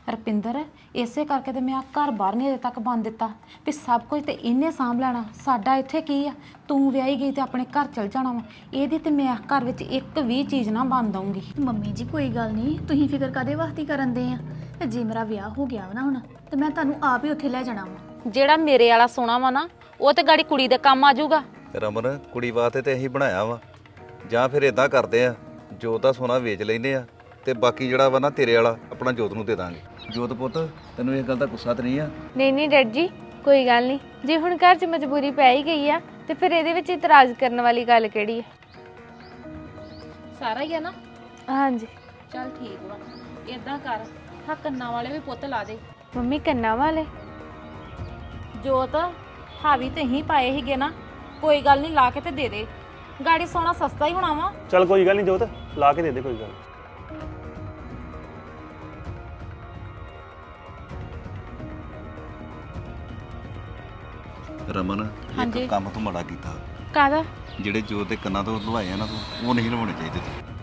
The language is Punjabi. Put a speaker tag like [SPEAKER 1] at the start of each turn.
[SPEAKER 1] ਰਪਿੰਦਰ ਇਸੇ ਕਰਕੇ ਤੇ ਮੈਂ ਆ ਘਰ ਬਾਹਰ ਨਹੀਂ ਅਜੇ ਤੱਕ ਬੰਦ ਦਿੱਤਾ ਵੀ ਸਭ ਕੁਝ ਤੇ ਇਹਨੇ ਸਾਂਭ ਲੈਣਾ। ਸਾਡਾ ਇੱਥੇ ਕੀ ਆ, ਤੂੰ ਵਿਆਹੀ ਗਈ ਤੇ ਆਪਣੇ ਘਰ ਚਲ ਜਾਣਾ ਵਾ। ਇਹਦੀ ਤੇ ਮੈਂ ਘਰ ਵਿੱਚ ਇੱਕ ਵੀ ਚੀਜ਼ ਨਾ ਬੰਦ ਆਉਂਗੀ।
[SPEAKER 2] ਮੰਮੀ ਜੀ ਕੋਈ ਗੱਲ ਨਹੀਂ, ਤੁਸੀਂ ਫਿਕਰ ਕਾਦੇ ਵਾਸਤੇ ਕਰਨ ਦੇ ਆ। ਤੇ ਜੇ ਮੇਰਾ ਵਿਆਹ ਹੋ ਗਿਆ ਵਾ ਨਾ ਹੁਣ, ਤੇ ਮੈਂ ਤੁਹਾਨੂੰ ਆਪ ਹੀ ਉੱਥੇ ਲੈ ਜਾਣਾ ਵਾ।
[SPEAKER 1] ਜਿਹੜਾ ਮੇਰੇ ਵਾਲਾ ਸੋਨਾ ਵਾ ਨਾ, ਉਹ ਤੇ ਗਾੜੀ ਕੁੜੀ ਦੇ ਕੰਮ ਆ ਜਾਊਗਾ।
[SPEAKER 3] ਰਮਨ ਕੁੜੀ ਵਾਸਤੇ ਤੇ ਅਸੀਂ ਬਣਾਇਆ ਵਾ, ਜਾਂ ਫਿਰ ਇਦਾਂ ਕਰਦੇ ਆ ਜੋਤ ਦਾ ਸੋਨਾ ਵੇਚ ਲੈਂਦੇ ਆ ਤੇ ਬਾਕੀ ਜਿਹੜਾ ਵਾ ਨਾ ਤੇਰੇ ਵਾਲਾ ਆਪਣਾ ਜੋਤ ਨੂੰ ਦੇ ਦਾਂਗੇ। ਜੋਤ ਪੁੱਤ ਤੈਨੂੰ ਇਹ ਗੱਲ ਦਾ ਗੁੱਸਾ ਤੇ ਨਹੀਂ ਆ?
[SPEAKER 4] ਨਹੀਂ ਡੈਡ ਜੀ ਕੋਈ ਗੱਲ ਨਹੀਂ, ਜੇ ਹੁਣ ਘਰ 'ਚ ਮਜਬੂਰੀ ਪੈ ਹੀ ਗਈ ਆ ਤੇ ਫਿਰ ਇਹਦੇ ਵਿੱਚ ਇਤਰਾਜ਼ ਕਰਨ ਵਾਲੀ ਗੱਲ ਕਿਹੜੀ ਹੈ।
[SPEAKER 1] ਸਾਰਾ ਹੀ ਆ ਨਾ?
[SPEAKER 4] ਹਾਂਜੀ
[SPEAKER 1] ਚੱਲ ਠੀਕ ਵਾ, ਇਦਾਂ ਕਰ ਹਾਂ ਕੰਨਾਂ ਵਾਲੇ ਵੀ ਪੁੱਤ ਲਾ ਦੇ।
[SPEAKER 4] ਮੰਮੀ ਕੰਨਾਂ ਵਾਲੇ?
[SPEAKER 1] ਜੋਤ ਹਾਵੀ ਤੇ ਹੀ ਪਾਏ ਹੀਗੇ ਨਾ, ਕੋਈ ਗੱਲ ਨਹੀਂ ਲਾ ਕੇ ਤੇ ਦੇ ਦੇ। ਗਾੜੀ ਸੋਨਾ ਸਸਤਾ ਹੀ ਹੋਣਾ ਵਾ।
[SPEAKER 5] ਚੱਲ ਕੋਈ ਗੱਲ ਨਹੀਂ ਜੋਤ, ਲਾ ਕੇ ਦੇ ਦੇ, ਕੋਈ ਗੱਲ ਨੀ।
[SPEAKER 3] ਰਮਨ
[SPEAKER 1] ਹਾਂਜੀ।
[SPEAKER 3] ਇੱਕ ਕੰਮ ਤੂੰ ਮਾੜਾ ਕੀਤਾ।
[SPEAKER 4] ਕਾਹਦਾ?
[SPEAKER 3] ਜਿਹੜੇ ਜੋਤ ਦੇ ਕੰਨਾਂ ਤੋਂ ਲਵਾਏ ਆ ਨਾ ਤੂੰ, ਉਹ ਨਹੀਂ ਲਵਾਉਣੇ ਚਾਹੀਦੇ ਤੂੰ।